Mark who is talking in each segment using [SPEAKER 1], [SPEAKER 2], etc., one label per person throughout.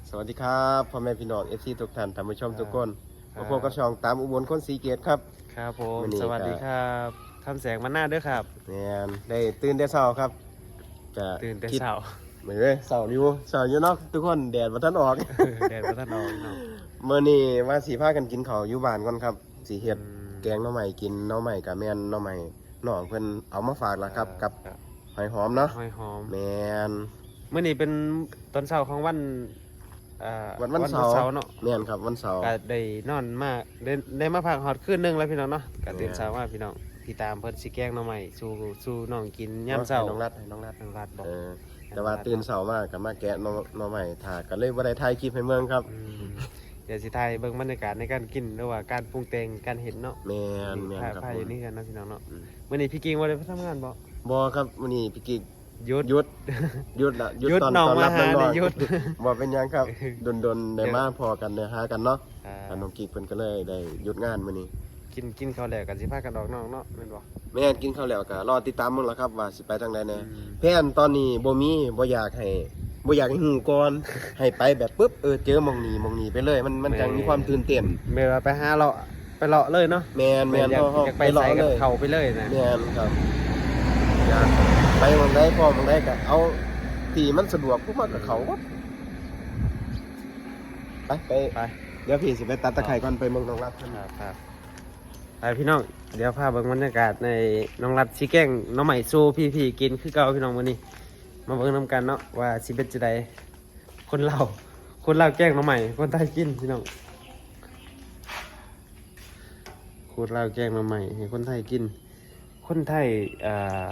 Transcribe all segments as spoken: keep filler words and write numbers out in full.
[SPEAKER 1] สวัสดีครับพ่อแม่พี่น้องเอฟซีทุกท่านท่านผู้ชมทุกคนมาพบกับช่องตามอุบลคนสีเกตครับ
[SPEAKER 2] ครับผม
[SPEAKER 1] วันนี้
[SPEAKER 2] สวัสดีครับคำแสงมันหน้าด้วยครับ
[SPEAKER 1] เนี่ยได้ตื่นแต่เช้าครับจะ
[SPEAKER 2] ตื่นแต่
[SPEAKER 1] คิด
[SPEAKER 2] เช้า
[SPEAKER 1] เหมือนเลยเช้าอยู่เช้าอยู่เนาะทุกคนแดดมาทันออก
[SPEAKER 2] แดดพระท่านออกเนาะ
[SPEAKER 1] เมื่อนี้ว่าสีผ้ากันกินข้าวอยู่บ้านก่อนครับสีเห็ด
[SPEAKER 2] อืม
[SPEAKER 1] แกงหน่อใหม่กินหน่อใหม่กับแม่นหน่อใหม่น้องเพิ่นเอามาฝากแล้วครับกับหอยหอมเนาะ
[SPEAKER 2] หอยหอม
[SPEAKER 1] แม่น
[SPEAKER 2] เมื่อนี้เป็นตอนเช้าของวันอ่า
[SPEAKER 1] วันวันเสาร์
[SPEAKER 2] เนาะ
[SPEAKER 1] แม่นครับวันเสาร์
[SPEAKER 2] ก็ได้นอนมาได้ได้มาพักหอดคืนหนึงแล้วพี่น้องเนาะก็ตื่น
[SPEAKER 1] แม่
[SPEAKER 2] เช้ามาพี่น้องพี่ตามเพิ่นสิแกงหน่อใหม่สู่สู่น้องกินยามเช้า
[SPEAKER 1] ให้น้องรัดให้น้องรัด
[SPEAKER 2] น้องรัดบอก
[SPEAKER 1] เออแต่ว่าตื่นเช้ามากกับมาแกะหน่อหน่อใหม่ถ่าก็เลยบ่ได้ถ่ายคลิปให้เมืองครับ
[SPEAKER 2] มเดี๋ยวสิถ่ายเบิ่งบรรยากาศในการกินหรือว่าการปรุงแต่งการเห็นเนาะ
[SPEAKER 1] แม่นแม่น
[SPEAKER 2] ถ่าย
[SPEAKER 1] ครับ
[SPEAKER 2] ถ่าย
[SPEAKER 1] ผ
[SPEAKER 2] อยู่
[SPEAKER 1] ม
[SPEAKER 2] นี่กันเนาะพี่น้องเนาะ
[SPEAKER 1] อืม
[SPEAKER 2] มื่อนี้พี่กิ้งว่าได้ไปทำงานบ่
[SPEAKER 1] บ่ครับวันนี้พี่กิ๊ก
[SPEAKER 2] หยุด
[SPEAKER 1] หยุดหยุดละหยุด
[SPEAKER 2] หยุด
[SPEAKER 1] ตอน
[SPEAKER 2] น้อง
[SPEAKER 1] ตอนรับ
[SPEAKER 2] มาหา
[SPEAKER 1] น้อง
[SPEAKER 2] เนี่ยหยุด
[SPEAKER 1] ๆบ่เป็นหยังครับดนๆได้มาพอกันได้หากันเนาะ
[SPEAKER 2] อ่า
[SPEAKER 1] อันน้องกิ๊กเพิ่นก็เลยได้หยุดงานมื้อนี้
[SPEAKER 2] กินกินข้าวแหลกกันสิพากันออกนอกเนาะแม่นบ่
[SPEAKER 1] แม่นกินข้าวแล้วก็รอติดตามมึงแล้วครับว่าสิไปทางใดแน่
[SPEAKER 2] อืม
[SPEAKER 1] แผนตอนนี้บ่มีบ่อยากให้บ่อยากให้ฮู้ก่อน ให้ไปแบบปึ๊บเออเจอหม่องนี้หม่องนี้ไปเลย มันมันจังมีความตื่นเต้น
[SPEAKER 2] แม่ว่าไปหาเลาะไปเลาะเลยเนาะ
[SPEAKER 1] แม่นแม่น
[SPEAKER 2] อยาก
[SPEAKER 1] เฮาเฮา
[SPEAKER 2] อยาก
[SPEAKER 1] ไป
[SPEAKER 2] ไป
[SPEAKER 1] รอ
[SPEAKER 2] ใส่กับ
[SPEAKER 1] เลย
[SPEAKER 2] เขาไปเลยนะ
[SPEAKER 1] แม่นครับอยากไปหม่องใดพอหม่องใดก็เอาที่มันสะดวกพวกมันก็เขาก็ไปไป
[SPEAKER 2] ไป
[SPEAKER 1] เดี๋ยวพี่สิไปตัดตะไคร้ก่อนไปเมืองน้องรัฐ
[SPEAKER 2] ครับครับไปพี่น้องเดี๋ยวพาเบิ่งบรรยากาศในน้องรัดสิแกงน้องใหม่สู้พี่ๆกินคือเก่าพี่น้องมื้อนี้มาเบิ่งนํกันเนาะว่าสิเป็นจังไดคนลาวคนลาวแกงน้องใหม่คนไทยกินพี่น้องคนลาวแกงน้องใหม่ให้คนไทยกิน คนไทยอ่า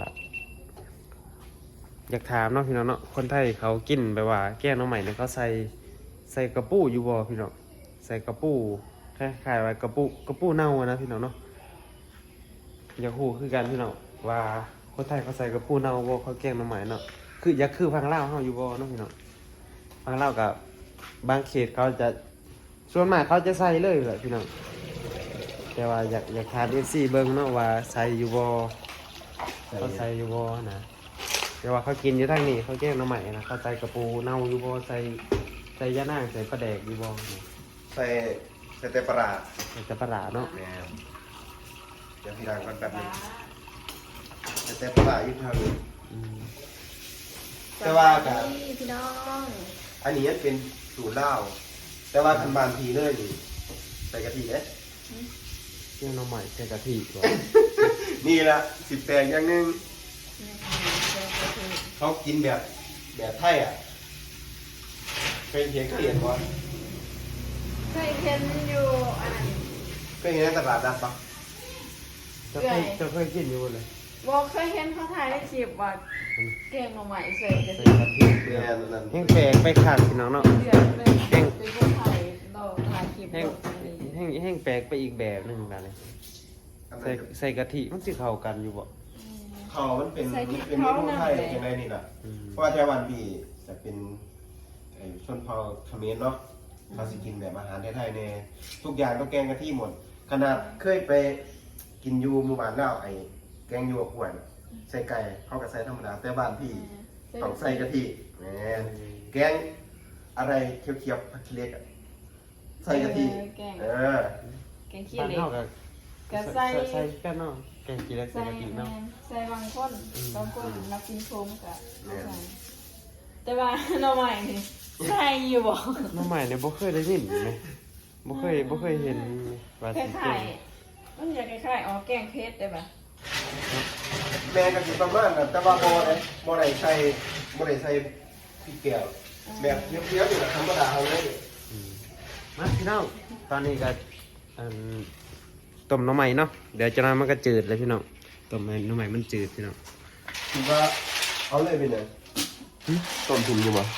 [SPEAKER 2] อยากถามเนาะพี่น้องเนาะคนไทยเขากินแบบว่าแกงน้องใหม่เนี่ยเขาใส่ใส่กระปูอยู่บ่พี่น้องใส่กระปูคล้ายๆว่ากระปูกระปูเน่าอะนะพี่น้องเนาะอยากฮู้คือกันพี่น้องว่าคนไทยเขาใส่กระปูเน่าบ่เขาแกงน้องใหม่เนาะคืออยากคือพังลาวเฮาอยู่บ่เนาะพี่น้องพังลาวกับบางเขตเขาจะส่วนมากเขาจะใส่เลยแหละพี่น้องแต่ว่าอยากอยากถาม เอฟ ซี เบิ่งเนาะว่าใส่อยู่บ่เขาใส่อยู่บ่นะแต่ว่าเขากินอยู่ทางนี้เขาแกงน้องใหม่นะเขาใส่กระปูเน่าอยู่บ่ใส่ใส่ยะนางใส่ปลาแดกอยู่บ่นะ
[SPEAKER 1] ใส่ใส่แต่ปลาร้า
[SPEAKER 2] ใส่แต่ปลาร้าเนาะ
[SPEAKER 1] แม่นเดี๋ยวพี่ดังก่อนแป๊บนึงใส่แต่ปลาร้าอยู่ทางนี้
[SPEAKER 2] อืม
[SPEAKER 1] แต่ว่าก็
[SPEAKER 3] สวัสดีพี่น้อง
[SPEAKER 1] อันนี้เป็นสูตรลาวแต่ว่าคันบานทีเลยนี่ใส่กะทิเอ๊ะ
[SPEAKER 2] แกงน้องใหม่ใส่กะทิบ่
[SPEAKER 1] นี่ละสิบแปดอย่างหนึง
[SPEAKER 3] นี่คือเจ้าคือ
[SPEAKER 1] เขากินแบบแบบไทยอ่ะเคยเห็นเคยเห็นบ่
[SPEAKER 3] เคยเห็นอยู่อัน
[SPEAKER 1] เคยเห็นในตลาดนัดปะ
[SPEAKER 2] เจะเคยเจะเคยกินอยู่บ่เลย
[SPEAKER 3] บอกเคยเห็นเขาถ่ายในคลิปว่าเก่งมาใหม่ใส่กระ
[SPEAKER 2] ใส่
[SPEAKER 3] ดิ่ง
[SPEAKER 2] กะทิ
[SPEAKER 1] แม่นนั่น
[SPEAKER 2] แห้งแปลกไปข้างพี่น้องเนาะ
[SPEAKER 3] เดือดเลยเป็นคนไทยเราถ่ายคลิป
[SPEAKER 2] แห้ง
[SPEAKER 3] แบบนี้
[SPEAKER 2] แห้งแห้งแปลกไปอีกแบบหนึงแบบนี้
[SPEAKER 1] อัน
[SPEAKER 2] ใส่
[SPEAKER 1] นั้น
[SPEAKER 2] ใส่กะทิมันสิเข้ากันอยู่บ่
[SPEAKER 1] เขามันเป็น
[SPEAKER 3] ใส่
[SPEAKER 1] มัน
[SPEAKER 3] ที่
[SPEAKER 1] เป็นเม
[SPEAKER 3] เขา
[SPEAKER 1] นู
[SPEAKER 3] หน่
[SPEAKER 1] ไท
[SPEAKER 3] อย
[SPEAKER 1] ยยังไงนี่ล่ะ
[SPEAKER 2] อืม
[SPEAKER 1] เพราะว่าแถวบ้านพี่จะเป็นไอ้ชนเผ่าเขมรเนาะเขาสิกินแบบอาหารไทยๆเนี่ยทุกอย่างต้องแกงกะทิหมด ขนาดเคยไปกินอยูหมู่บ้านแล้วไอ้แกงอยูกับขวดใส่ไก่เขาก็ใส่ธรรมดาแต่บ้านพี่ต้องใส่กะทิแหมแกงอะไรเคี้ยวๆผักขี้เหล็กอะใส่กะทิ
[SPEAKER 3] แกง
[SPEAKER 1] เออ
[SPEAKER 3] แกงขี้
[SPEAKER 2] บ้าน
[SPEAKER 3] เหล็ก
[SPEAKER 2] เฮาก็
[SPEAKER 3] ก็ใส่
[SPEAKER 2] ใส่กันเนาะแกงกินแล้วใส่
[SPEAKER 3] ใส่
[SPEAKER 2] กะทิเนาะ
[SPEAKER 3] ใส่บางคน
[SPEAKER 2] อืม
[SPEAKER 3] บางคนนักกินโชมก็เอาใส่แต่ว่าเราใหม่นี่ใส่อยู่บอก
[SPEAKER 2] น้องใหม่เนี่ยบ่เคยได้ยินไหมบ่เคยบ่เคยเห็นว่า
[SPEAKER 3] ค
[SPEAKER 2] สิ
[SPEAKER 3] ล้ายๆมันอยากคล้ายๆอ๋อแกงเพชรได้ปะ
[SPEAKER 1] แม่ก็สิประมาณนั้นแต่ว่าบ่ได้บ่ได้ใส่บ่ได้ใส่พริกแกงแบบเคี้ยวๆอยู่นะธรรมดาเอาเลย
[SPEAKER 2] อืมมาพี่น้องตอนนี้ก็อันต้มหน้ำใหม่เนาะเดี๋ยวจะน้อยมันก็จืดเลยพี่น้องต้มหน้ำใหม่มันจืดพี่น้อง
[SPEAKER 1] คิดว่าเอาเลยไปเลยต้มถุงอยู่บ่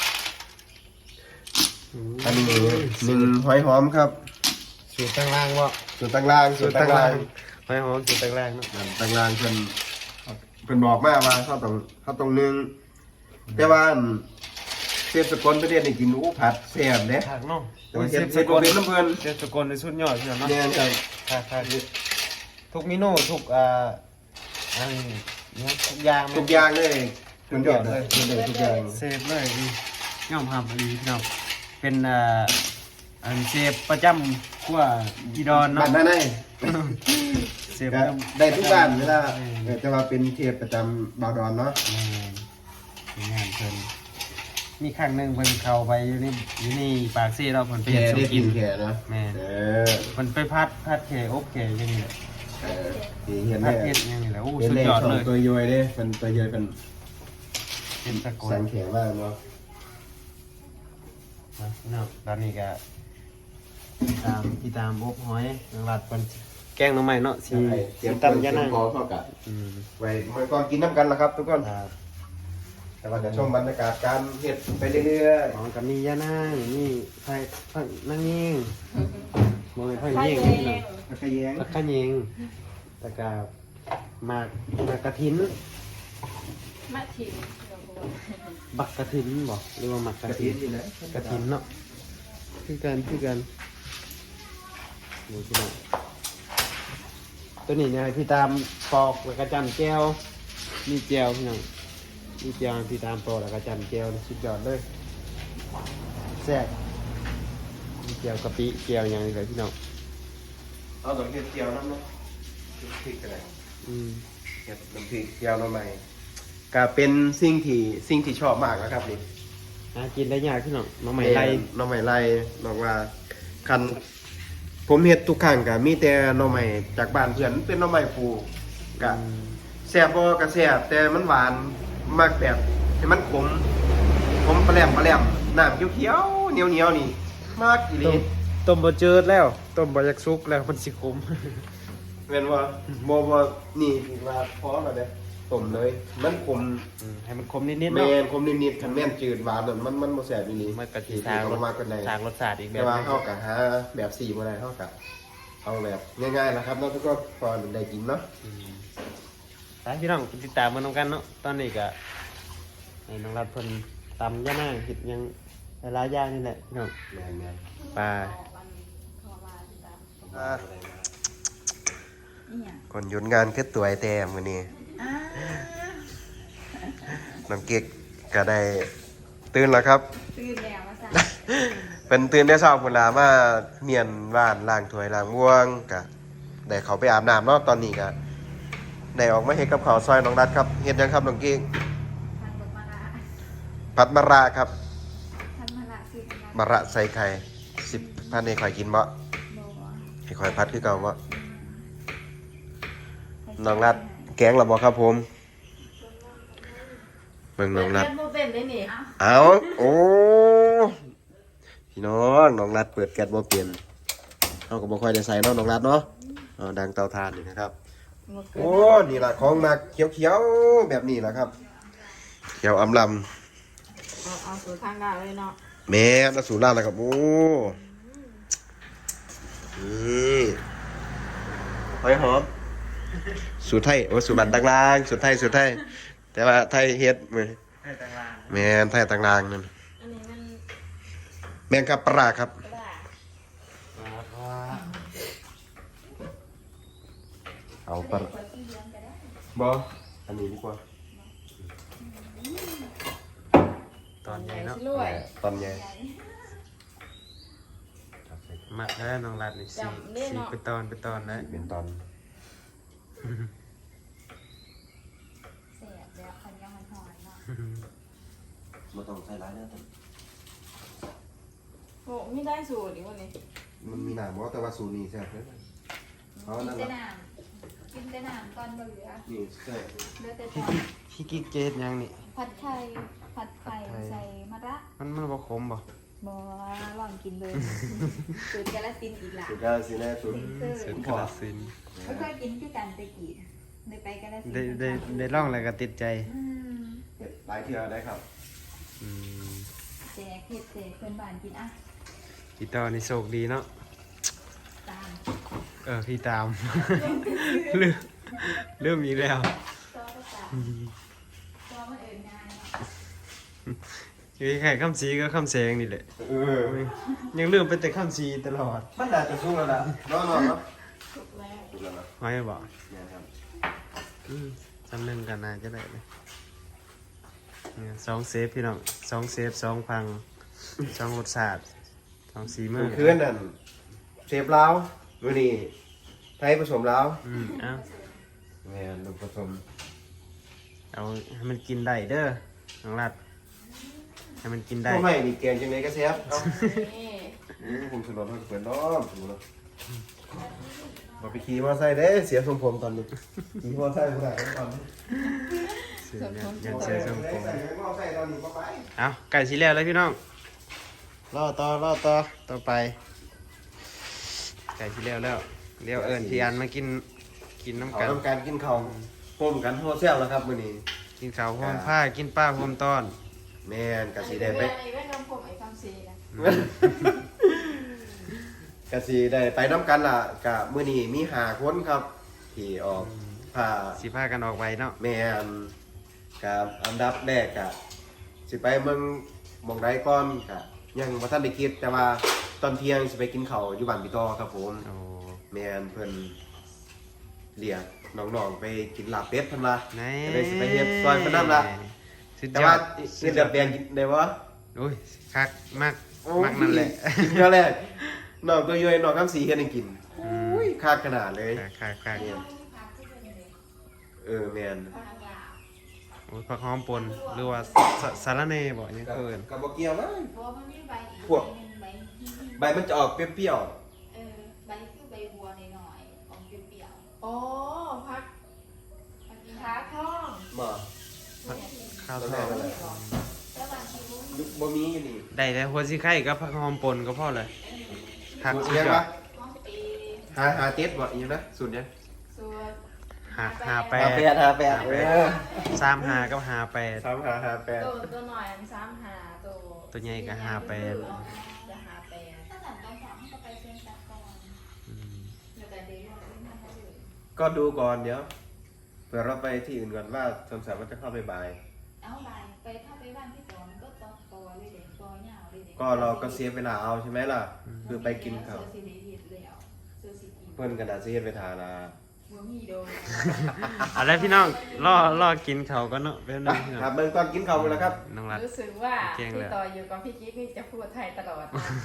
[SPEAKER 1] อันนี้หนึ่งหอยหอมครับ
[SPEAKER 2] สูตรตั้งล่างวะ
[SPEAKER 1] ส่วนต่างล่างส่วนต่างล่าง
[SPEAKER 2] หอยหอมสูตรตั้งล่างเนาะ
[SPEAKER 1] นั่นต่างล่างเพิ่นเพิ่นบอกมาว่าเขาต้องเขาต้องนึ่งแต่ว่าอันเชฟสกลประเทศนี่กินอู้ผัดแซ่บเด้
[SPEAKER 2] ผักเนาะ
[SPEAKER 1] แต่ว่าเฮ็ดเฮ็ดบ่เป็นน้ำเพิ่น
[SPEAKER 2] เชฟสกลในสุดยอดพี่น้องเนาะ
[SPEAKER 1] แน่นครับ
[SPEAKER 2] ผักผักทุกเมนูทุกอ่าอันนี้ทุกอย่าง
[SPEAKER 1] ทุกอย่างเลยมันยอดเลยมันได้ทุกอย่าง
[SPEAKER 2] เซฟเลยนี่ย่อมทำอันนี้พี่น้องเป็นอ่าอันเชฟประจำขั้วอีดอน
[SPEAKER 1] บ้า
[SPEAKER 2] เนาะ
[SPEAKER 1] นนั่นไง
[SPEAKER 2] เชฟ
[SPEAKER 1] ก็ได้ทุกบ้านเวลาเออจะมาเป็นเทปประจำบาวดอนเนาะ
[SPEAKER 2] มีงานเพิ่นมีครั้งหนึงเพิ่นเข้าไปอยู่นี่อยู่นี่ปากซี่เราะเพิ่นไป
[SPEAKER 1] แข
[SPEAKER 2] เฮ็ด
[SPEAKER 1] ได้
[SPEAKER 2] สุ
[SPEAKER 1] กิ
[SPEAKER 2] กิ
[SPEAKER 1] น
[SPEAKER 2] น
[SPEAKER 1] แขเนาะ
[SPEAKER 2] แม่น
[SPEAKER 1] เออ
[SPEAKER 2] เพิ่นไปพัดพัดแขอบแขอยู่นี่แหละ
[SPEAKER 1] เออที่เห็น
[SPEAKER 2] พั
[SPEAKER 1] ได้
[SPEAKER 2] ดเฮ็ดอย่างนี้แหละโอ้
[SPEAKER 1] เห็น
[SPEAKER 2] สุด
[SPEAKER 1] ได้
[SPEAKER 2] ยอด
[SPEAKER 1] ช่อง
[SPEAKER 2] เลย
[SPEAKER 1] ตัวย่อยเด้เป็นตัวย่อยเป็น
[SPEAKER 2] เป็นตะโก
[SPEAKER 1] สั
[SPEAKER 2] น
[SPEAKER 1] งแขมากเนาะ
[SPEAKER 2] นะพี่น้องตอนนี้ก็ติดตามติดตามอบหอยนางรัดเพิ่นแกงหน่อไม้เนาะสิ
[SPEAKER 1] เตรียม
[SPEAKER 2] ตำยะนาง
[SPEAKER 1] พอเท่ากับ
[SPEAKER 2] อืม
[SPEAKER 1] ไว้เมื่อก่อนกินน้ำกันละครับทุกคน
[SPEAKER 2] ครับ
[SPEAKER 1] แต่ว่าจะชมบรรยากาศการเห็ดไปเรื่อย
[SPEAKER 2] ของกับมียะนางนี่ไผ่ไผ่นางยิงบ่แม่นไผ่
[SPEAKER 3] ใช่
[SPEAKER 2] ยิง
[SPEAKER 3] เล
[SPEAKER 2] พี่น้อง
[SPEAKER 3] ย
[SPEAKER 1] ๆแล้วก็แย้ง
[SPEAKER 2] แล้วก็ยิงแล้วก็หมากหมากกระถิน
[SPEAKER 3] มาถิ่น
[SPEAKER 2] บักกระถินบ่หรือว่าหมักก
[SPEAKER 1] ก
[SPEAKER 2] ระ
[SPEAKER 1] ระ
[SPEAKER 2] ถิ
[SPEAKER 1] เทีย
[SPEAKER 2] น
[SPEAKER 1] มนี่นะ
[SPEAKER 2] กระถินเนาะคือกันคือกันนี่พี่น้องตัวนี้เนี่ยให้พี่ตามปอกแล้วก็จำแก้วมีแก้วพี่น้องมีแก้วให้พี่ตามปอกแล้วก็จำแก้วนี่สุดยอดเลยแซ่บมีแก้วกะปิแก้วอย่างนี้เลยพี่น้อง
[SPEAKER 1] เอาตัวเห็ดเจียวน้ำเนาะพริกอะไร
[SPEAKER 2] อืม
[SPEAKER 1] เห็ดน้ำพริกเจียวน้ำใหม่ก็เป็นสิ่งที่สิ่งที่ชอบมากนะครับนี่
[SPEAKER 2] หากินได้ยากพี่น้องน้องใหม่ไร
[SPEAKER 1] น้องใหม่ไล่บอกว่าคันผมเห็ดทุกครั้งก็มีแต่น้องใหม่จากบ้านเพื่อนเป็นน้องใหม่ปลูกก็ แซ่บบ่ก็แซ่บแต่มันหวานมากแบบให้มันขมขมปลาแหลมปลาแหลมน้ำเขียวๆเหนียวๆนี่มากอีห
[SPEAKER 2] ต้
[SPEAKER 1] ลี
[SPEAKER 2] มต้มบะเจิดแล้วต้มบะยักซุกแล้วมันสิขม
[SPEAKER 1] แม่นว่าบ่บ่นี่ถือว่าพอแล้วเด้ต้มเลย มันขม
[SPEAKER 2] อืมให้มันขมนิดๆ
[SPEAKER 1] แม่
[SPEAKER 2] เนาะ
[SPEAKER 1] นขมนิดๆคันแม่นจืดหวานนั่นมันมันบ่แซ่บอีหลี
[SPEAKER 2] มันกะทิ
[SPEAKER 1] ที่
[SPEAKER 2] ทาง
[SPEAKER 1] เอามากันได้
[SPEAKER 2] ทางรสชาติอีกแบ
[SPEAKER 1] แต่
[SPEAKER 2] บ
[SPEAKER 1] ว่า
[SPEAKER 2] หนึ่ง
[SPEAKER 1] เฮาก็หาแบบสี่บ่ได้เฮาก็เอาแบบง่ายๆนะครับเนาะทุกคนพอได้กินเนาะ
[SPEAKER 2] อืมไปพี่น้องติดตามมันน้องกันเนาะตอนนี้ก็ให้น้องรัดเพิ่นตำย่านางเห็ดหยังหลายๆอย่างนี่แหละพี่น้อง
[SPEAKER 1] แม่น
[SPEAKER 2] ปลา
[SPEAKER 1] ๆอ่า
[SPEAKER 3] นี่อ่ะ
[SPEAKER 1] คนหยุดงานคือตัวไอ้แต้มมื้อนี้
[SPEAKER 3] อ่า
[SPEAKER 1] น้องเก๊กก็ได้ตื่นแล้วครับ
[SPEAKER 3] ตื่นแล้วมาสั่ง
[SPEAKER 1] เป็นตื่นได้เช้าพุ่นล่ะมาเมียนบ้านล้างถ้วยล้างม่วงก็ได้เขาไปอาบน้ำเนาะตอนนี้ก็ได้ออกมาเฮ็ดกับข้าวซอยน้องรัดครับเฮ็ดหยังครับน้องเก๊ก
[SPEAKER 3] ทานบดมะระ
[SPEAKER 1] ผัดมะระครับ
[SPEAKER 3] ทานมะระสิบ
[SPEAKER 1] มะระใส่ไข่สิบพันให้ข่อยกินบ่
[SPEAKER 3] โบ
[SPEAKER 1] ให้ข่อยพัดคือเก่าบ่น้องรัดแกงและบ่ครับผมเบิ่งน้องรัด
[SPEAKER 3] เปิดแก๊สโบเป็นได้นี่
[SPEAKER 1] เอาโอ้พี่น้องน้องรัดเปิดแก๊สบ่เปลี่ยนเอาก็บ่ค่อยได้ใส่เนาะน้องรัดเนาะเอาดังเตาถ่านนี่นะครับ โอ้นี่ล่ะของหนักเขียวๆแบบนี้ล่ะครับเขียวอำล
[SPEAKER 3] เอาเอาสูตรทางการเลยเนาะ
[SPEAKER 1] ำแม่นอสูรล่าแล้วครับโอ้นี่หอยหอมสูตรไทยโอ้สูตรบันต่างๆสูตรไทยสูตรไทยแต่ว่าไทยเฮ็ดมื้อ
[SPEAKER 2] ให้ต่างลาง
[SPEAKER 1] แม่นไทยต่างๆนั่น
[SPEAKER 3] อันนี้มัน
[SPEAKER 1] แม่งครับปลาร้าครับ
[SPEAKER 3] กระดาษ
[SPEAKER 1] เอาปลา
[SPEAKER 3] ขวดที่เลี้ยงก็ได้
[SPEAKER 1] บ่อันนี้ดีกว่า
[SPEAKER 2] ตอนใหญ่เนาะ
[SPEAKER 3] รวย
[SPEAKER 1] ตอนใหญ่
[SPEAKER 2] มักแล้วน้องรัดนี่สีสีเป็นตอนเป็นตอนแล้ว
[SPEAKER 1] เป็นตอน
[SPEAKER 3] เสียแล้วคันยังมันหอยเนาะ
[SPEAKER 1] บ่ต้องใส่หลายเด้อ
[SPEAKER 3] โอ้ไม่ได้สูตรอีกวันนี้
[SPEAKER 1] มันมีหน้าบ่แต่ว่าสูตรนี้แซ่บเด้อเอา
[SPEAKER 3] กิน
[SPEAKER 1] นั่น
[SPEAKER 3] แต่
[SPEAKER 1] ล่ะ
[SPEAKER 3] น้ำกินแต่น้ำตอนบ่เหลือ
[SPEAKER 1] นี่ใส่
[SPEAKER 3] เหลือแต่
[SPEAKER 2] พี่
[SPEAKER 3] ตอน
[SPEAKER 2] พี่กิ๊กเจดยังนี่
[SPEAKER 3] ผัดไข่ผัดไข่ใส่มะระ
[SPEAKER 2] มันมันบ่ขมบ่
[SPEAKER 3] บ่ลองกินเลยสูตรกาลสินธุ์อีกละ
[SPEAKER 1] สุดยอดสิแน่สุด
[SPEAKER 2] เสร็จกระสินธุ์
[SPEAKER 3] ไม่เคยกินคือกันตะกี้ได้ไปกาลสินธุ์
[SPEAKER 2] ได้ได้ได้ลองแล้วก็ติดใจ
[SPEAKER 3] อืม
[SPEAKER 1] เฮ็ดหลายเทื่อได้ครับ
[SPEAKER 2] อืม
[SPEAKER 3] แจกเห็ดแจกเพื่อนบ้านกินอ่ะ
[SPEAKER 2] พี่ต่อนี่โชคดีเนาะ
[SPEAKER 3] ตาม
[SPEAKER 2] เออพี่ตาม ลืมลืมอีกแล้ว
[SPEAKER 3] ตัวก็ตามตัวมันเอิญงานเนาะ
[SPEAKER 2] คือแค่คำสีก็คำแสงนี่แหละ
[SPEAKER 1] เออ
[SPEAKER 2] ยังลืมไปแต่คำสีตลอด
[SPEAKER 1] มันน่าจะสู้แล้วล่ะนอนๆเนาะ
[SPEAKER 3] ถูกแล้ว
[SPEAKER 1] สู้แล้วนะ
[SPEAKER 2] ไว้บ่
[SPEAKER 1] เนี่ยครับ
[SPEAKER 2] อืมจำหนึ่งกันนะจะได้เลยเนี่ยสองเซฟพี่น้องสองเซฟสองพังช่องรสชาติช่องสีมื
[SPEAKER 1] มื้
[SPEAKER 2] อ
[SPEAKER 1] อคืนนั่นเชฟลาวมื้อนี้ไทยผสมลาว
[SPEAKER 2] อืมเอา
[SPEAKER 1] แม่นลูกผสม
[SPEAKER 2] เอาให้มันกินได้เด้อน้องรัดให้มันกินได้
[SPEAKER 1] บ่ให้นี่แกงจังได๋ก็แซ่บเอ้า
[SPEAKER 3] นี่
[SPEAKER 1] อือผมสนนให้เพิ่นน้อมถูเนาะบ่ไปขี่มอไซค์เด้เสียทรงผมตอนนี้ขี่มอไซค์บ่ได้ตอนนี้
[SPEAKER 2] เสือยังยังเสือทรงผม
[SPEAKER 1] ใส่มอไซค์ตอนนี้บ่ไป
[SPEAKER 2] เอาไก่สีแล้วเลยพี่น้องรอต่อรอต่อต่อไป ไก่สีแล้วแล้วเดี๋ยวเอิญพี่อันมากินกินน้ำ
[SPEAKER 1] เอา
[SPEAKER 2] กัน
[SPEAKER 1] ทำการกินข้าวโฮมกันโฮแซ่บแล้วครับมื้อนี้
[SPEAKER 2] กินข้าวหอมผ้ากินป้าหอมต้อน
[SPEAKER 1] แม่นก็สิได้ไป
[SPEAKER 3] ไอ้แว่นนมผมไอ้คำซีนะ
[SPEAKER 1] ก็สิได้ไปนํกันล่ะก็มื้อนี้มีห้าคนครับที่ออกผ้า
[SPEAKER 2] สีผ้ากันออกไวเนาะ
[SPEAKER 1] แม่นกับอันดับแรกก็สิไปเมืองหม่องใดก่อนก็ยังบ่ทันได้คิดแต่ว่าตอนเที่ยงสิไปกินข้าวอยู่บ้านพี่ต่อครับผม
[SPEAKER 2] โอ้
[SPEAKER 1] แม่นเพิ่นเรียกน้องๆไปกินลาบเป็ดเพิ่นว่า
[SPEAKER 2] ไหน
[SPEAKER 1] จะได้สิไปเฮ็ดซอยเพิ่นนำล่ะ
[SPEAKER 2] สุด
[SPEAKER 1] แต่
[SPEAKER 2] ยอ
[SPEAKER 1] ว่า
[SPEAKER 2] ด
[SPEAKER 1] เงินเดือนแดงกินได้บ่
[SPEAKER 2] โอ้ยคักมาก
[SPEAKER 1] โอ้
[SPEAKER 2] มากนั่นแหละ
[SPEAKER 1] กินเท่าแรกน้องตัวย่อยน้องคำสีเฮ็ดให้กิน
[SPEAKER 2] อื
[SPEAKER 1] อุ้
[SPEAKER 2] ม
[SPEAKER 1] ยคักขนาดเลย
[SPEAKER 2] คักคักคัก
[SPEAKER 1] เออแม่น
[SPEAKER 2] โอ้ยผักหอมปนหรือว่าสสาระเน่บ่ยัง
[SPEAKER 1] ก็
[SPEAKER 2] เกิน
[SPEAKER 1] ก็บ่เกี่ยวมั้ง
[SPEAKER 4] เพราะว่ามันมีใบอีก
[SPEAKER 1] พวก
[SPEAKER 4] ใบหนึ่งใบที่
[SPEAKER 1] ใบมันจะออกเปรี้ยว
[SPEAKER 4] เออใบคือใบบัวหน่อยๆของเปรี้ยว
[SPEAKER 3] โอ้พัก
[SPEAKER 4] ๆบางที
[SPEAKER 3] ขาท่อง
[SPEAKER 1] ๆบ่
[SPEAKER 2] ข้าว
[SPEAKER 1] ตอน
[SPEAKER 2] ท
[SPEAKER 1] แร
[SPEAKER 2] อก ด
[SPEAKER 1] นั่นแหละ
[SPEAKER 4] แล้วบางทีรู้
[SPEAKER 1] ยุบ่มีอยู่นี่
[SPEAKER 2] ได้แล้วหัวสิไข่กับผักหอมปนก็พอเลยคัก
[SPEAKER 1] สูตร
[SPEAKER 2] สุด
[SPEAKER 1] เรียก
[SPEAKER 2] ยอ
[SPEAKER 1] ว่า
[SPEAKER 2] ด
[SPEAKER 4] ห้องปี
[SPEAKER 1] หาหาเจ็ดบ่อีหยังนะสูตรเนี้ย
[SPEAKER 3] ส่วน
[SPEAKER 2] หาหาแป
[SPEAKER 1] หา
[SPEAKER 2] ด
[SPEAKER 1] แปดหาแปดเออ
[SPEAKER 2] สามหากับหาแปด
[SPEAKER 1] สามหาหาแปด
[SPEAKER 3] ตัวตัวหน่อยอันสามหาตัว
[SPEAKER 2] ตัวใหญ่ก็หาแปด
[SPEAKER 3] จะหาแปด
[SPEAKER 4] ถ้าหลังตอนสองก็ไปเซ็นสักก่อน
[SPEAKER 2] อืม
[SPEAKER 4] แล้วแต่เดี๋ยวเราไม่มาให้เลย
[SPEAKER 1] ก็ดูก่อนเดี๋ยวเผื่อเราไปที่อื่นก่อนว่าสงสัยว่าจะเข้าไปบ่าย
[SPEAKER 4] เอาใบไปถ้าไปบ้านที่สองก็ต้องปอเลยเด็กปอยาวเลยเด็ก
[SPEAKER 1] ก็เราก็เสียเวลาเอาใช่ไหมล่ะ คือไปกินข้าว
[SPEAKER 4] เสื้อสีเหลืองแล้วเสื้อสีกี
[SPEAKER 1] เพิ่นก็น่าสิเฮ็ดไปทานะ
[SPEAKER 4] บัวมีโดน
[SPEAKER 2] เอาละพี่น้องรอรอกินเขาวก็เนาะเป็นนึงพี่น้อง
[SPEAKER 1] ครับเบิ่งก่อนกินข้าวกันแล้วครับ
[SPEAKER 2] น้องรัด
[SPEAKER 3] รู้สึกว่า
[SPEAKER 2] เก่งเลย
[SPEAKER 3] พี่ต่ออยู่กับพี่กิ๊กนี่จะพูดไทยตลอด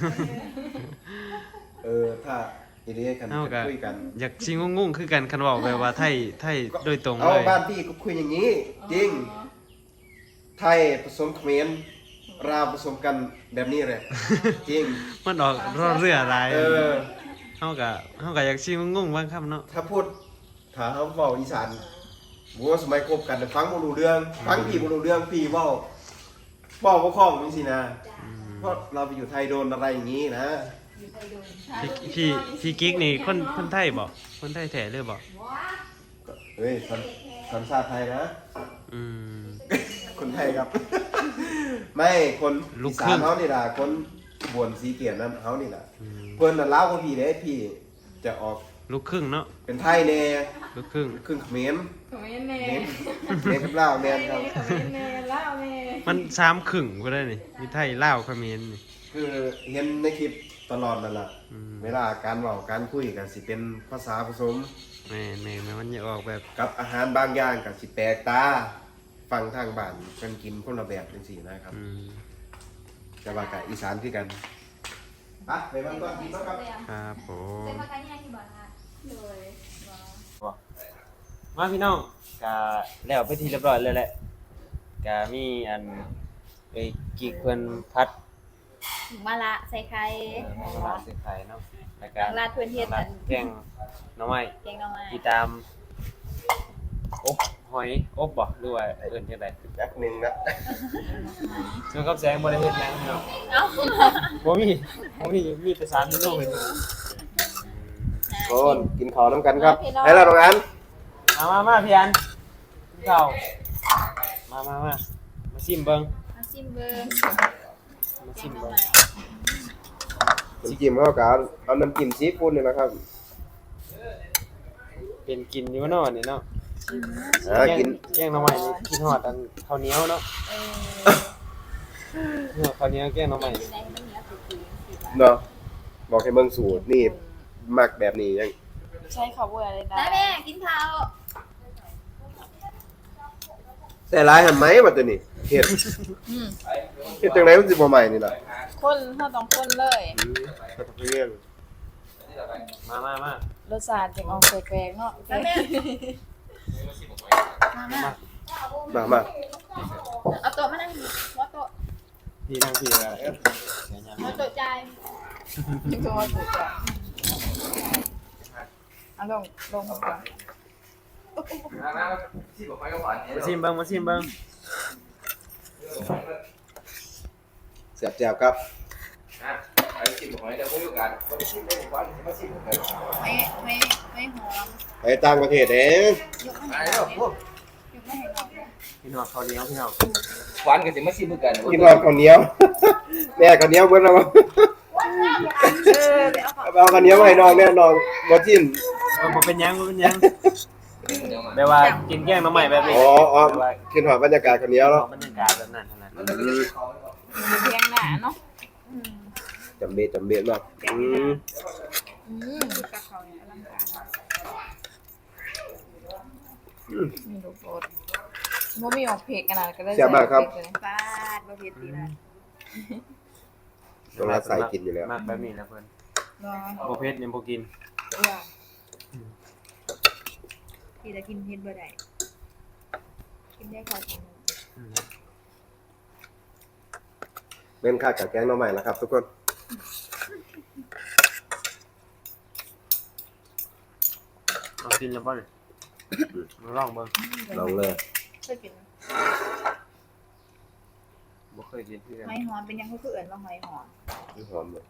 [SPEAKER 1] เออถ้าอีนี้กัน
[SPEAKER 2] เอากะ
[SPEAKER 1] คุยกัน
[SPEAKER 2] อยากชิงงงๆคือกันคันเว้าแบบว่าไทยไทยโดยตรง
[SPEAKER 1] เอา
[SPEAKER 2] เลย
[SPEAKER 1] บ้านพี่ก็คุยอย่างนี้ จริง ไทยผสมเขมรลาวผสมกันแบบนี้เลยจริง
[SPEAKER 2] มันออกรอเรือหลาย
[SPEAKER 1] เออ
[SPEAKER 2] เฮาก็เฮาก็อยากชิงงงๆบางคำเนาะ
[SPEAKER 1] ถ้าพูดถ้าเขาเว้าอีสานบัวาสมัยคบกันน่ะฟังบ่รู้เรื่อง ฟังพี่บ่รู้เรื่องพี่เว้าเว้าบ่คล่องจังซี่นะ
[SPEAKER 2] อืม
[SPEAKER 1] เพราะเราไปอยู่ไทยโดนอะไรอย่างนี้นะ
[SPEAKER 4] อยู่ไทยโดน
[SPEAKER 2] พี่พี่พี่กิ๊กนี่คนคนไทยบ่คนไทยแท้เลยบ่
[SPEAKER 4] ว้า
[SPEAKER 1] เฮ้ยสัญสัญชาติไทยนะ
[SPEAKER 2] อืม
[SPEAKER 1] คนไทยครับ ไม่คน
[SPEAKER 2] ลู
[SPEAKER 1] อี
[SPEAKER 2] กค
[SPEAKER 1] สา
[SPEAKER 2] รึ่
[SPEAKER 1] น
[SPEAKER 2] ง
[SPEAKER 1] เฮานี่ล่ะคนบวนสีเกียรตินั้นเฮานี่ล่ะ
[SPEAKER 2] อืม
[SPEAKER 1] เพิ่นน่ะลาวกว่าพี่เด้พี่จะออก
[SPEAKER 2] ลูกครึ่งเนาะ
[SPEAKER 1] เป็นไทยแน่
[SPEAKER 2] ลูกครึ่ง
[SPEAKER 1] ครึ่งเขมร
[SPEAKER 3] ขมิ้นเน่
[SPEAKER 1] เขมรเขมรกับลาวแม่นครับ
[SPEAKER 3] ขมิ้นเน่เล่าเน่
[SPEAKER 2] มันสามครึ่งก็ได้นี่มีไทยลาวเขมรนี่
[SPEAKER 1] คือเห็นในคลิปตลอดนั่นล่ะ
[SPEAKER 2] อืม
[SPEAKER 1] เวลาการเว้าการคุยกันสิเป็นภาษาผสม
[SPEAKER 2] แม่แม่แม่มันจะออกแบบ
[SPEAKER 1] กับอาหารบางอย่างก็สิแปลกตาฟังทางบ้านเพิ่นกินคนละแบบจังซี่นะครับ
[SPEAKER 2] อืม
[SPEAKER 1] แต่ว่ากับอีสานคือกันไปไปบ้านก่อนกินแล้วครับ
[SPEAKER 2] ครับผ
[SPEAKER 4] เซ็น
[SPEAKER 2] ม
[SPEAKER 4] มากันยังที่บอกค่ะ
[SPEAKER 3] โดย
[SPEAKER 2] มาพี่น้องกะแล้วไปทีเรียบร้อยเลยแหละกะมีอันไอ้กิกเพิ่นพัด
[SPEAKER 4] มาละใส่ไข่
[SPEAKER 2] เอ่อมาลาดใส่ไข่เนาะแล้วก็
[SPEAKER 4] ลาดเพื่อนเฮ็ด
[SPEAKER 2] ลาดแกงหน่อไม้
[SPEAKER 4] แกงหน่อไม้
[SPEAKER 2] ที่ตามอบหอยอบบ่หรือว่าเอิ้นจังได๋
[SPEAKER 1] แป๊บหนึงนะ
[SPEAKER 2] ส่วนกับแสงบ่ได้เฮ็ดหยังพี่น้อง
[SPEAKER 4] เอ้า
[SPEAKER 2] บ่มีบ่มีมีแต่สามเมนูเฮ็ด
[SPEAKER 1] คนกินข้าวน้ำกันครับให้เราตรงนั้น
[SPEAKER 2] มามามาพี่อันกินข้าวมามามามาชิมเบิ่ง
[SPEAKER 4] มาซิมเบิ้ง
[SPEAKER 2] มา
[SPEAKER 4] แก
[SPEAKER 2] ชิ
[SPEAKER 4] ง
[SPEAKER 2] ม
[SPEAKER 4] หน่อ
[SPEAKER 2] เบิ่ง
[SPEAKER 4] ไม้
[SPEAKER 1] น้ำจิ้มเข้ากับเอาน้ำจิ้มซีฟู้ดนี่นะครับ
[SPEAKER 2] เป็นกินอยู่เนาะนี่เนาะ
[SPEAKER 1] อ่ากิน
[SPEAKER 2] แกงหน่อไม้นี่กินฮอดอันข้าวเหนียวเนาะ
[SPEAKER 4] เออ
[SPEAKER 2] เนาะข้าวเหนียวแกงหน่อไม้
[SPEAKER 4] เป็นไงมันเหนียวสุดๆสิบาท
[SPEAKER 1] เนาะบอกให้เบิ่งสูตรนี่มักแบบนี้ยัง
[SPEAKER 3] ใช้คำว่าอะไรนะ
[SPEAKER 4] ได้แม่กินข้าว
[SPEAKER 1] ใส่หลายหั่นไหมบัดตัวนี้เฮ็ด
[SPEAKER 4] อืม
[SPEAKER 1] เฮ็ดจังไดมันสิบ่ใหม่นี่ล่ะ
[SPEAKER 3] คนเฮาต้องคนเลย
[SPEAKER 1] อืมก็ต้องเรื่อง
[SPEAKER 2] มามามา
[SPEAKER 3] รสชาติจึงออกแปลกๆเนาะ
[SPEAKER 4] มาแม่มาแม่
[SPEAKER 1] มามา
[SPEAKER 4] เอาโต๊ะมานั่งว่าโต๊ะ
[SPEAKER 2] พี่นั่งพี่อะไรเอ๊ะ
[SPEAKER 4] ว่าโต๊ะใจาย
[SPEAKER 3] จึงก็ว่าถูกอ่ะเอาลงลงก่อน
[SPEAKER 2] มาชิมเบิ้งมาชิมเบิ้ง
[SPEAKER 1] เสียบแจ่วครับ
[SPEAKER 4] ไม่ไม่ไม่หอม
[SPEAKER 1] ไปต่างประเทศเอง
[SPEAKER 4] ยกไม่ให้เรายกไม่ให้เรา
[SPEAKER 2] พี่น้องข้าวเหนียวพี่น้อง
[SPEAKER 5] หวานกันสิมาชิมกัน
[SPEAKER 1] กินรอข้าวเหนียว แม่ข้าวเหนียวเบิ่งแล้วบ่
[SPEAKER 4] เออเดี๋ยวเอา
[SPEAKER 1] เอาข้าวเหนียวมาให้น้องแน่น้องบ่จิ้ม
[SPEAKER 2] เออบ่เป็นหยังบ่เป็นหยังแบบว่ากินแกงหน้ำใหม่แบบนี้
[SPEAKER 1] อ๋ออ๋อขึ้นหอดบรรยากาศข้าวเหนียว
[SPEAKER 2] เอา
[SPEAKER 1] เนาะ
[SPEAKER 2] บรรยากาศแบบนั้นเท่านั้น
[SPEAKER 1] อืม
[SPEAKER 3] มีเพียงหน้าเนาะ
[SPEAKER 4] อืม
[SPEAKER 1] จำเบ็ดจำเบ็ดเนาะอืม
[SPEAKER 3] อืม
[SPEAKER 4] กับเขาเนี่ยอลังการ
[SPEAKER 3] มีลูกโดดบ่มีออกเพกขนาดก็ได้
[SPEAKER 1] เสียบมากครับ
[SPEAKER 3] ใส่ออกเพกเลย
[SPEAKER 4] ฟาดบะเพ็ดตีละ
[SPEAKER 1] ต้องรัดใส่กินอยู่แล้ว
[SPEAKER 2] มากแบบนี้นะเพิ่น
[SPEAKER 4] รอ
[SPEAKER 2] บ่เผ็ดนี่บ่กิน
[SPEAKER 4] เออที่จะกินเพ็ดบ่ได้กินได้พอกิน
[SPEAKER 2] อืม
[SPEAKER 1] เป็นค่ากับแกงหน้องใหม่นะครับ ทุกคน
[SPEAKER 2] เอากินแล้วบ่นี่มาลองเบิ่ง
[SPEAKER 1] ลองเลย
[SPEAKER 4] เคยกินไหม
[SPEAKER 2] บ่เคยกินคือกัน
[SPEAKER 4] หอยหอมเป็นยังเขาคือเอื่นว่าหอยหอม
[SPEAKER 1] หอมเลย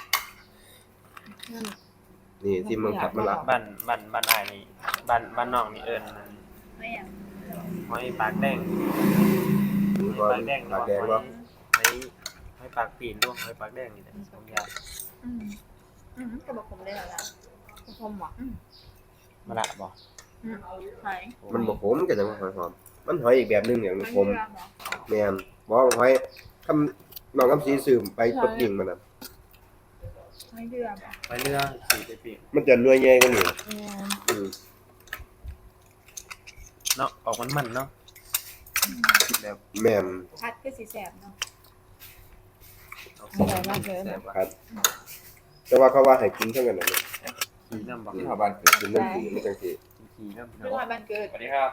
[SPEAKER 1] นี่ที่มันขัดมันละ
[SPEAKER 2] บ้านบ้านบ้านอ้ายนี่บ้านบ้านน้องนี่เอิ้น
[SPEAKER 4] ไม่อย่าง
[SPEAKER 2] หอยปากแดง
[SPEAKER 1] ก่อน
[SPEAKER 2] ปากแดง
[SPEAKER 1] ปากแดงวะ
[SPEAKER 2] หอยหอยปากปีนด้วยหอยปากแดงนี่แหละสองอย่าง
[SPEAKER 4] อืมอืมกระบอกผมได้แล้วล่ะ
[SPEAKER 3] คมอ่ะ
[SPEAKER 2] มาละบ่
[SPEAKER 4] อืมหอย
[SPEAKER 1] มันบ่ขมก็จังว่าหอยหอม มันหอยอีกแบบหนึงอย่างมันขม
[SPEAKER 4] เรือเหรอ
[SPEAKER 1] แม่นบ่ว่าหอยคำน้องคำสีสืมไปตกยิงมันน่ะ
[SPEAKER 4] หอยเรือเหรอ
[SPEAKER 2] ไปเรือสีไปปีก
[SPEAKER 1] มันจะเนื้อใหญ่กว่านี้
[SPEAKER 3] เออ
[SPEAKER 1] อืม
[SPEAKER 2] เนาะออกมันมันๆเนาะแบบ
[SPEAKER 1] แม่น
[SPEAKER 4] พัดก็สีแสบเนาะ
[SPEAKER 2] เอา
[SPEAKER 3] อร่อยมากเลย
[SPEAKER 2] แซ่บว่ะ
[SPEAKER 1] ครับ แต่ว่าเขาว่าให้กินเท่ากันน่ะ
[SPEAKER 2] ขี่น้ำบัก
[SPEAKER 5] ที่ชาวบ้านเกิด
[SPEAKER 1] กินน้ำสีมันจังสิ
[SPEAKER 2] ขี่น้ำ
[SPEAKER 4] เรื่องวันเกิด
[SPEAKER 5] สวัสดีครับ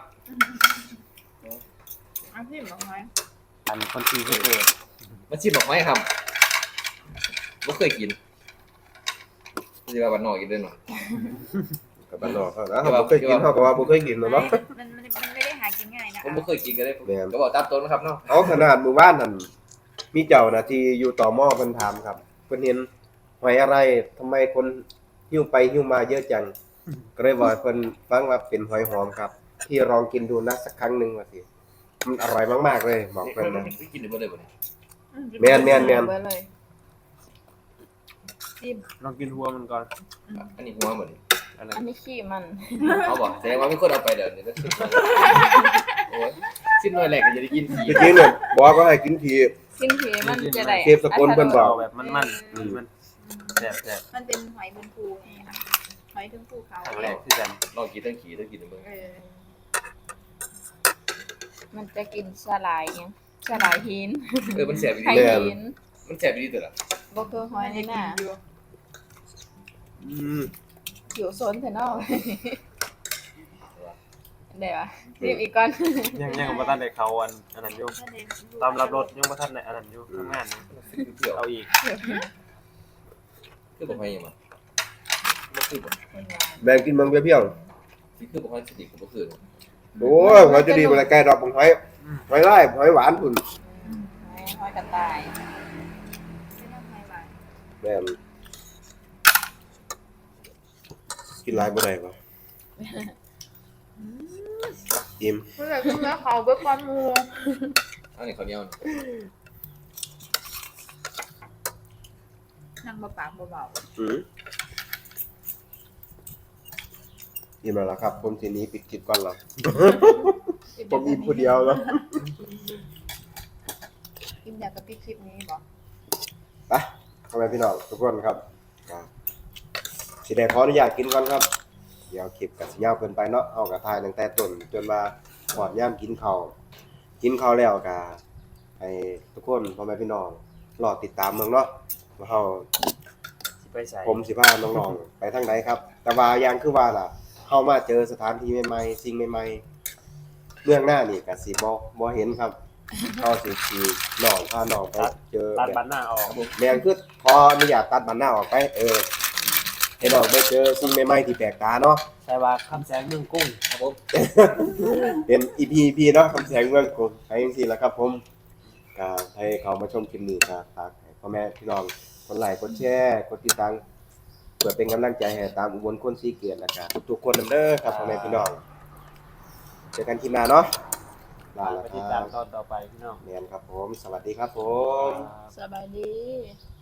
[SPEAKER 4] เอาที่หมอหอย
[SPEAKER 2] อันคนขี่ก็เกิด
[SPEAKER 5] มาชิมบอกไหมครับไม่เคยกินจะว่าบ้านนอกกินด้วยหน่อย
[SPEAKER 1] กับบ้านนอกเขานะเขาบ่เคยกินเขาก็ว่าบ่เคยกินเนาะ
[SPEAKER 4] มันมันมันไม่ได้หากินง่ายนะ
[SPEAKER 5] ผมไม่เคยกินกันเลยก็บอกตามตรงนะครับเนาะ
[SPEAKER 1] เอาขนาดหมู่บ้านนั่นมีเจ้าหน้าที่อยู่ต่อหม้อเพิ่นถามครับเพิ่นเห็นหอยอะไรทำไมคนหิ้วไปหิ้วมาเยอะจังก็เลยบอกให้เพิ่นฟังว่าเป็นหอยหอมครับ ที่ลองกินดูนะสักครั้งหนึงว่าสิมันอร่อยมากๆเลยบอกเพิ่นนะ
[SPEAKER 5] กินหรือไม่เลยวันนี้
[SPEAKER 1] แม่นแม่นแม่น
[SPEAKER 3] ไว้เลย
[SPEAKER 4] จิ้ม
[SPEAKER 2] ลองกินหัวมันก่อน
[SPEAKER 5] อันนี้หัวเหมือน
[SPEAKER 2] อะไร
[SPEAKER 3] อันนี้ขี้มัน
[SPEAKER 5] เขาบอกแสดงว่าไม่ควรเอาไปเดี๋ยวนี้ก็ชิมโอ้ยชิมหน่อยแหลกก็จะได้กินที
[SPEAKER 1] จริงๆเนี่ยบอกว่าให้กินที
[SPEAKER 3] กินผีมันจะได้
[SPEAKER 1] เทพสกลเพิ่นบ
[SPEAKER 2] เอาแบบมันมันๆอืมมันแซ่บแซ่บ
[SPEAKER 4] มันเป็นหอยบนภูไงค่ะหอยถึงภูเขา
[SPEAKER 2] ครั้งแรกที่กัน
[SPEAKER 5] ลองกินทั้งขี่ทั้งกินทั้งมึง
[SPEAKER 4] เออ
[SPEAKER 3] มันจะกินสลายยังสลายหิน
[SPEAKER 5] เออมันแสบดี
[SPEAKER 3] ไข่หิน
[SPEAKER 5] มันแสบดีตัวละ
[SPEAKER 3] บ่คือหอยนี่น่ะ
[SPEAKER 1] อืม
[SPEAKER 3] อยู่โซนเถอะเนาะเดี๋ยวอะรีบอีกก่อน
[SPEAKER 2] ยังยังบ่ทันได้เข้าอันอันนั้นอยู่ตามรับรถยังบ่ทันได้อันนั้นอยู่ทำงานอยู่
[SPEAKER 5] เปรี้ยว
[SPEAKER 2] เอาอีก
[SPEAKER 5] คือบอกให้ยังมาไม่คือบอก
[SPEAKER 1] แบ่งกินเบิ่งเปรี้ยว
[SPEAKER 5] ที่คือบอกให้สติกับบอกคือ
[SPEAKER 1] ๆโอ้ยหอยจะดีบ่ได้ไกลดอกของหอยหอยลายหอยหวานพุ่น
[SPEAKER 3] หอยหอยกระต่าย
[SPEAKER 4] ไม่ต้องหอยหวาน
[SPEAKER 1] แม่นกินหลายบ่ได้บ่อิ่ม
[SPEAKER 4] เพื่อขึ้นแล้วเขาเบิกความมู
[SPEAKER 5] อันนี้ข้าวเหนียว
[SPEAKER 4] นั่งเบาปากเบา
[SPEAKER 1] อืมอิ่มแล้วล่ะครับ ผมทีนี้ปิดคลิปก่อนแล้ว
[SPEAKER 4] ๆ
[SPEAKER 1] ผมอิ่มผู้เดียวแล้ว
[SPEAKER 4] กินอยากกับพี่คลิปนี้บอก
[SPEAKER 1] ไปพ่อแม่พี่น้องทุกคนครับอ่าสิได้ขออนุญาตกินก่อนครับ เดี๋ยวคลิปก็สิยาวเกินไปเนาะเอากระทายตั้งแต่ต้นจนมาหอดย่ามกินข้าวกินข้าวแล้วก็ให้ทุกคนพ่อแม่พี่น้องรอติดตามเมืองเนาะว่าเฮา
[SPEAKER 2] สิไปใส่
[SPEAKER 1] ผมสิพาน้องๆ ไปทางไหนครับ แต่ว่าอย่างคือว่าล่ะเฮามาเจอสถานที่ใหม่ๆสิ่งใหม่ๆเรื่องหน้านี่ก็สิบ่บ่เห็นครับเฮาสิสิน้องพาน้องไปเจอ
[SPEAKER 2] ตัด
[SPEAKER 1] แบบ
[SPEAKER 2] บันหน้าออก
[SPEAKER 1] แม่นคือขออนุญาตตัดบันหน้าออกไปเออให้น้องไปเจอสิ่งใหม่ๆที่แปลกตาเนาะ
[SPEAKER 2] ใช่ว่าคำแสงเมืองกุ้ง
[SPEAKER 5] ครับผม
[SPEAKER 1] เป็น อี พี อี พี เนาะคำแสงเมืองกรุงไปจังซี่ล่ะครับผมก็ให้เขามาชมคลิปนี้ก็ฝากให้พ่อแม่พี่น้องกดไลค์กดแชร์กดติดตามเพื่อเป็นกำลังใจให้ตามอุบลคนสีเกียรตินะครับทุกๆคนนำเด้อครับพ่อแม่พี่น้องเจอกันคลิปหน้าเนาะลา
[SPEAKER 2] ไป
[SPEAKER 1] แล้วค
[SPEAKER 2] ติด
[SPEAKER 1] รั
[SPEAKER 2] ตาม
[SPEAKER 1] บ
[SPEAKER 2] ตอนต่อไปพี่น้อง
[SPEAKER 1] เนียนครับผมสวัสดีครับผม
[SPEAKER 3] สบายดี